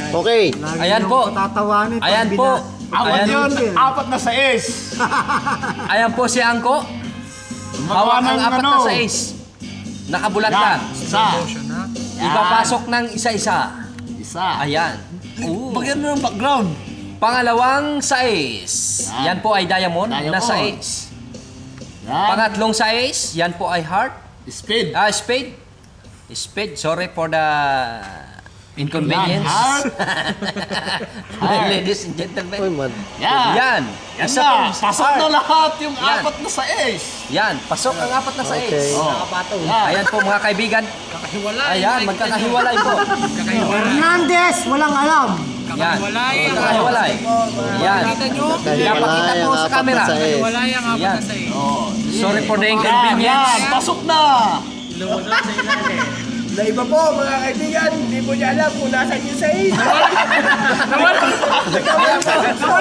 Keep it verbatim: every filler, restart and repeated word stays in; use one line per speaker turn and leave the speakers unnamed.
Okay.
Ayan po. Ayan po.
Apat yun, apat na sais.
Ayan po si Angko. Hawak ang apat na sais. Nakabulat lang.
Isa.
Ipapasok ng isa-isa.
Isa.
Ayan.
Bagyan mo ng background.
Pangalawang sais. Yan po ay diamond,
Diamond.
na sais.
Yan.
Pangatlong sais. Yan po ay heart.
Speed.
Ah, spade. Spade. Sorry for the inconvenience.
Heart.
Ladies and gentlemen.
Uy, man.
Yan.
Yan.
Yan
Isa
na.
pong
Pasok
heart.
na lahat yung
Yan.
apat na sais.
Yan. Pasok ang apat na sais.
Okay.
Oh. Yan.
Ayan po mga kaibigan. Ayan, magkakahiwalay po.
Hernandez, walang alam.
Yan. Magkakahiwalay. Yan. Pinapakita
Hiwalay
po
ang
sa
apat
camera.
na sais.
Yan.
Oh.
Sorry for the
Yan,
inconvenience.
yan. Pasok na.
Na iba po, mga kaibigan, hindi po niya alam kung nasan yung sais.
Ayan po.